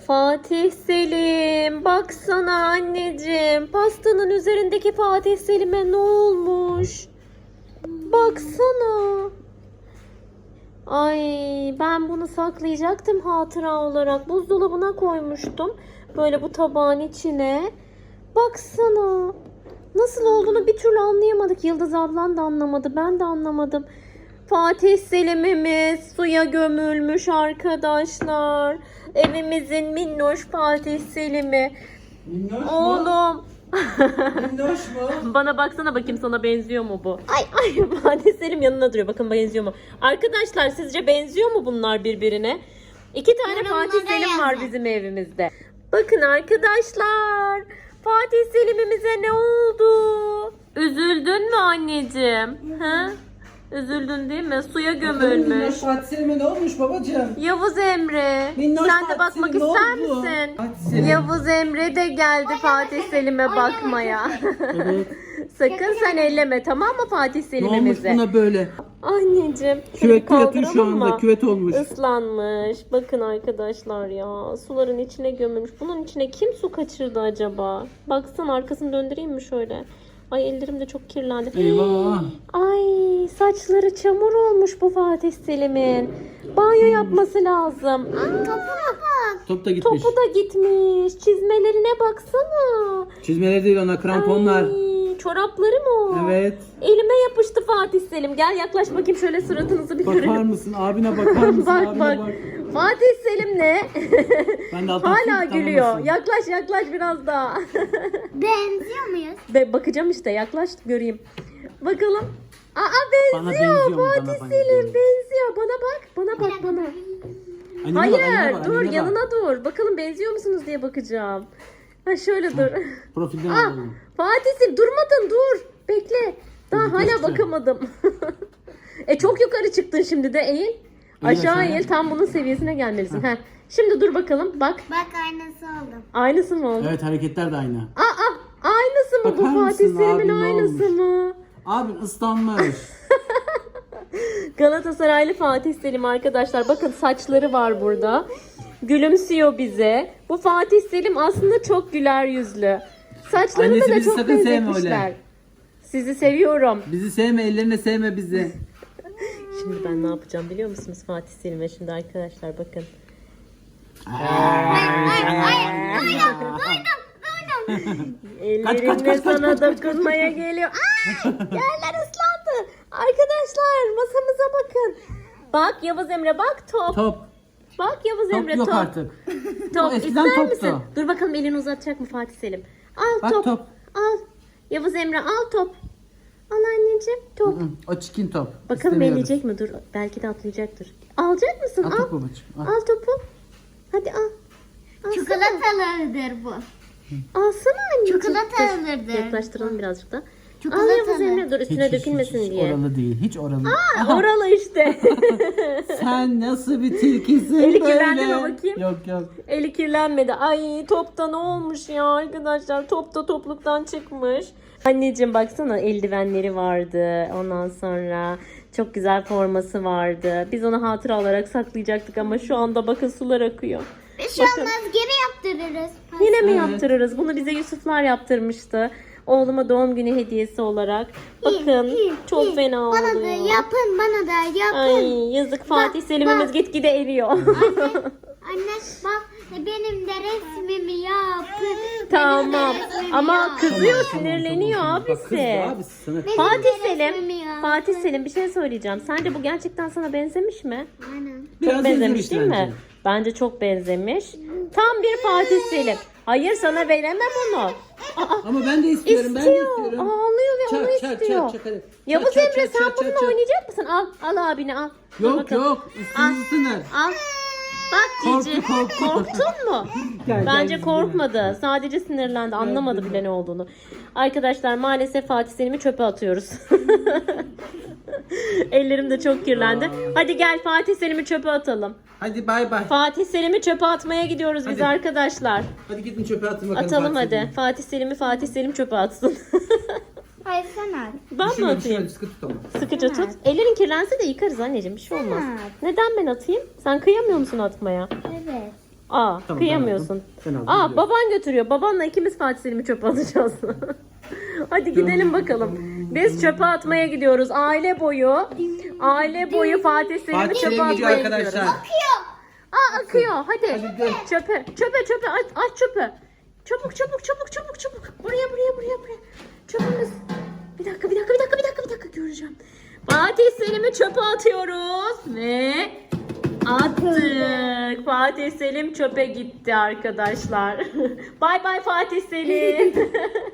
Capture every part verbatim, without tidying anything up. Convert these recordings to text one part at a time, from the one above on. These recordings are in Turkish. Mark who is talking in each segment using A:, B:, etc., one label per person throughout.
A: Fatih Selim, baksana anneciğim. Pastanın üzerindeki Fatih Selim'e ne olmuş? Baksana. Ay, ben bunu saklayacaktım hatıra olarak. Buzdolabına koymuştum. Böyle bu tabağın içine. Baksana. Nasıl olduğunu bir türlü anlayamadık. Yıldız ablan da anlamadı. Ben de anlamadım. Fatih Selim'imiz suya gömülmüş arkadaşlar. Evimizin minnoş Fatih Selim'i.
B: Minnoş mu?
A: Oğlum.
B: Minnoş mu?
A: Bana baksana bakayım, sana benziyor mu bu? Ay ay, Fatih Selim yanına duruyor. Bakın benziyor mu? Arkadaşlar sizce benziyor mu bunlar birbirine? İki tane
C: Yorumlara
A: Fatih Selim var
C: yazın.
A: bizim evimizde. Bakın arkadaşlar. Fatih Selim'imize ne oldu? Üzüldün mü anneciğim? Ha? Üzüldün değil mi? Suya
B: Minnoş
A: gömülmüş.
B: Fatih Selim'e ne olmuş babacığım?
A: Yavuz Emre.
B: Minnoş
A: Sen de
B: Fatih
A: bakmak
B: Selim, ne
A: ister
B: oldu?
A: misin?
B: Fatih Selim.
A: Yavuz Emre de geldi Fatih Selim'e bakmaya.
B: Evet.
A: Sakın sen elleme, tamam mı Fatih
B: Ne olmuş
A: Selim'imize?
B: buna böyle?
A: Anneciğim. şöyle bir
B: Küvette yatıyor şu
A: kaldıralım
B: anda.
A: mı?
B: Küvet olmuş.
A: Islanmış. Bakın arkadaşlar ya. Suların içine gömülmüş. Bunun içine kim su kaçırdı acaba? Baksana, arkasını döndüreyim mi şöyle? Ay, ellerim de çok kirlendi.
B: Eyvah.
A: Ay, saçları çamur olmuş bu Fatih Selim'in. Banyo yapması lazım.
C: Topuna bak.
B: Top da gitmiş.
A: Topu da gitmiş. Çizmelerine baksana.
B: Çizmeleri değil ona, kramponlar.
A: Ay, çorapları mı o?
B: Evet.
A: Elime yapıştı Fatih Selim. Gel yaklaş bakayım, şöyle suratınızı bir
B: Bakar
A: görelim.
B: mısın? Abine bakar mısın?
A: Bak
B: Abine
A: bak.
B: bak.
A: Fatih Selim ne?
B: Ben de alttan
A: Hala
B: tutayım,
A: gülüyor.
B: tanımasın.
A: Yaklaş yaklaş biraz daha.
C: Benziyor muyuz?
A: Be bakacağım işte, yaklaş göreyim. Bakalım. Aa,
B: Bana
A: benziyor.
B: benziyor mu?
A: Fatih
B: Bana
A: Selim
B: benziyor.
A: benziyor. Bana bak. Bana bak bana.
B: Annene bak,
A: Hayır
B: annene bak,
A: dur,
B: annene bak.
A: yanına dur. Bakalım benziyor musunuz diye bakacağım. Ha şöyle dur.
B: Profilden
A: Ah,
B: alalım.
A: Fatih Selim durmadın, dur. Bekle. Daha
B: Dur,
A: hala
B: göstereceğim.
A: bakamadım. E çok yukarı çıktın şimdi de, eğil. Aşağı
B: aşağıya.
A: eğil, tam bunun seviyesine gelmelisin. Heh. Şimdi dur bakalım, bak.
C: Bak aynası oldu.
A: Aynısı mı oldu?
B: Evet, hareketler de aynı.
A: Aa, aynısı mı bu
B: Bakar
A: Fatih
B: mısın
A: Selim'in
B: abi, ne
A: aynısı
B: olmuş?
A: mı?
B: Abi ıslanmış.
A: Galatasaraylı Fatih Selim arkadaşlar. Bakın saçları var burada. Gülümsüyor bize. Bu Fatih Selim aslında çok güler yüzlü. Saçlarını
B: Annesi
A: da
B: bizi
A: çok
B: sakın sevme
A: benzetmişler.
B: öyle.
A: Sizi seviyorum.
B: Bizi sevme, ellerine sevme bizi.
A: Şimdi ben ne yapacağım biliyor musunuz Fatih Selim'e? Şimdi arkadaşlar bakın. Ellerimle
B: kaç, kaç,
A: sana dokunmaya geliyor. Ay, yerler ıslandı. Arkadaşlar masamıza bakın. Bak Yavuz Emre, bak top.
B: Top.
A: Bak Yavuz
B: Top
A: Emre,
B: yok
A: top.
B: artık.
A: Top
B: O eskiden
A: ister
B: toptu.
A: misin? Dur bakalım, elini uzatacak mı Fatih Selim? Al
B: Bak
A: top.
B: top.
A: Al. Yavuz Emre al top. Al anneciğim top.
B: Hı, o çikin top.
A: Bakalım
B: İstemiyoruz.
A: elleyecek mi? Dur. Belki de atlayacaktır. Alacak mısın?
B: Al
A: Al.
B: top babacığım, al.
A: Al topu. Hadi al. Alsana.
C: Çikolatalıdır bu.
A: Alsana anneciğim.
C: Çikolatalıdır.
A: Dur, yaklaştıralım birazcık da. Al
C: Çikolatalı.
A: Yavuz Emre, dur üstüne
B: Hiç, hiç,
A: dökülmesin
B: hiç,
A: diye.
B: Hiç oralı değil. Hiç oralı.
A: Aa, oralı işte.
B: Sen nasıl bir tilkisin
A: Eli
B: böyle?
A: kirlendi mi bakayım?
B: Yok yok.
A: Eli kirlenmedi. Ay, topta ne olmuş ya arkadaşlar? Topta topluktan çıkmış. Anneciğim baksana, eldivenleri vardı. Ondan sonra çok güzel forması vardı. Biz onu hatıra olarak saklayacaktık ama şu anda bakın sular akıyor.
C: Bir şey olmaz, geri yaptırırız.
A: Yine mi
B: Evet.
A: yaptırırız? Bunu bize Yusuflar yaptırmıştı. Oğluma doğum günü hediyesi olarak. Bakın
C: İyi, iyi,
A: çok
C: iyi.
A: fena
C: Bana da
A: oluyor.
C: yapın, bana da yapın.
A: Ay yazık, Fatih Selim'imiz gitgide eriyor.
C: Anne, anne bak benim de resmimi yapın.
A: Tamam.
C: Benim de resmimi
A: Ama
C: yap.
A: kızıyor,
B: Tamam,
A: sinirleniyor
B: tamam, tamam. Bak, kızdı
A: abisi.
B: abisi sana.
A: Fatih
C: Benim de
A: Selim,
C: resmimi yap.
A: Fatih Selim bir şey söyleyeceğim. Sence bu gerçekten sana benzemiş mi?
C: Aynen.
B: Biraz
A: Çok benzemiş
B: benzemiş
A: değil mi?
B: bence.
A: Bence çok benzemiş. Tam bir Fatih Selim. Hayır, sana veremem onu. Aa,
B: Ama ben de istiyorum. Ben de
A: istiyor.
B: istiyorum.
A: Ağlıyor ve onu
B: Çak çak
A: istiyor.
B: çak çak hadi.
A: Yavuz
B: Çak, çak,
A: Emre,
B: çak,
A: sen
B: çak,
A: bununla
B: çak, çak.
A: oynayacak mısın? Al, al abine al. Dur
B: Yok
A: bakalım.
B: yok. Üstünüzü ısınır.
A: Al. Bak
B: Korktu,
A: Cici.
B: korktu.
A: Korktun mu?
B: Gel, gel
A: Bence
B: bizimle.
A: korkmadı. Sadece sinirlendi. Anlamadı bile ne olduğunu. Arkadaşlar maalesef Fatih Selim'i çöpe atıyoruz. Ellerim de çok kirlendi. Hadi gel Fatih Selim'i çöpe atalım.
B: Hadi bay bay.
A: Fatih Selim'i çöpe atmaya gidiyoruz biz
B: Hadi.
A: arkadaşlar.
B: Hadi gidin çöpe atın bakalım.
A: Atalım
B: Fatih
A: hadi.
B: Selim'i.
A: Fatih Selim'i Fatih Selim çöpe atsın.
C: Hayır sen at.
A: Ben mi
B: Düşürme,
A: atayım?
B: düşürme, sıkı tut ama.
A: Sıkıca tut. Ellerin kirlense de yıkarız anneciğim. Bir şey olmaz.
C: Sen at.
A: Neden ben atayım? Sen kıyamıyor musun atmaya?
C: Evet.
A: Aa
B: Tamam,
A: kıyamıyorsun.
B: ben aldım. Ben aldım,
A: Aa
B: biliyorum.
A: baban götürüyor. Babanla ikimiz Fatih Selim'i çöpe alacağız. Hadi gidelim bakalım. Biz çöpe atmaya gidiyoruz. Aile boyu. Aile boyu Fatih Selim'i
B: Fatih
A: çöpe
B: Selim gidiyor
A: atmaya
B: arkadaşlar.
A: gidiyoruz. Aa akıyor. Hadi.
B: Hadi gel.
A: Çöpe. Çöpe çöpe aç, aç çöpe. Çabuk çabuk çabuk çabuk çabuk. Buraya buraya buraya buraya. Çöpümüz. Bir dakika bir dakika bir dakika bir dakika bir dakika göreceğim. Fatih Selim'i çöpe atıyoruz ve attık. Fatih Selim çöpe gitti arkadaşlar. Bay bay Fatih Selim.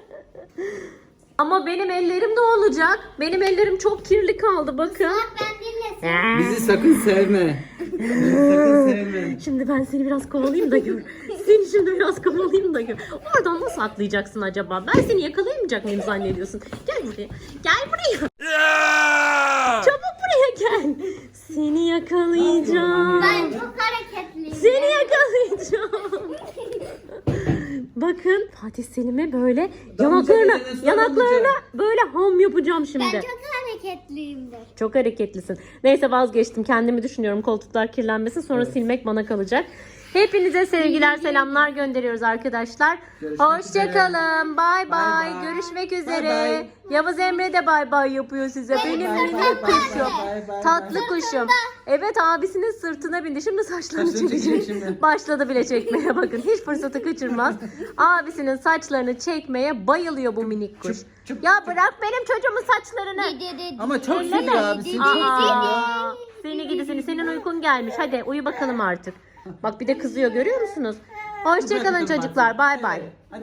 A: Ama benim ellerim de olacak. Benim ellerim çok kirli kaldı bakın.
C: Bak ben dinlesin.
B: Bizi sakın sevme. Bizi sakın sevme.
A: Şimdi ben seni biraz kovalayayım da gör. Seni şimdi biraz kovalayayım da gör. Oradan nasıl atlayacaksın acaba? Ben seni yakalayamayacak mıyım zannediyorsun? Gel buraya. Gel buraya. Çabuk buraya gel. Seni yakalayacağım.
C: Ben çok hareketliyim.
A: Seni yakalayacağım. Bakın Fatih Selim'e böyle
B: Damlayacak
A: yanaklarına
B: elini
A: yanaklarına
B: sallayacak.
A: böyle ham yapacağım şimdi.
C: Ben çok hareketliyimdir.
A: Çok hareketlisin. Neyse vazgeçtim. Kendimi düşünüyorum. Koltuklar kirlenmesin. Sonra silmek bana kalacak. Hepinize sevgiler, selamlar gönderiyoruz arkadaşlar.
B: Görüşmek
A: Hoşçakalın. Bay bay.
B: bay.
A: Görüşmek
B: Bay
A: üzere.
B: bay.
A: Yavuz Emre de bay bay yapıyor size. Benim
B: bay,
A: minik
B: bay, bay,
A: kuşum.
B: bay, bay,
A: Tatlı
B: bay.
A: kuşum. Evet abisinin sırtına bindi. Şimdi saçlarını
B: Saçlarını
A: çekecek.
B: çekecek şimdi.
A: Başladı bile çekmeye bakın. Hiç fırsatı kaçırmaz. Abisinin saçlarını çekmeye bayılıyor bu minik kuş.
B: Çıp, çıp,
A: Ya
B: çıp.
A: bırak benim çocuğumun saçlarını.
B: Ama çok
A: Elleme.
B: seviyor abisin. Çok seviyor.
A: Aa, seni gidi seni. Senin uykun gelmiş. Hadi uyu bakalım artık. Bak bir de kızıyor görüyor musunuz? Hoşçakalın
B: Bırakın
A: çocuklar.
B: artık.
A: Bay bay.
B: Evet.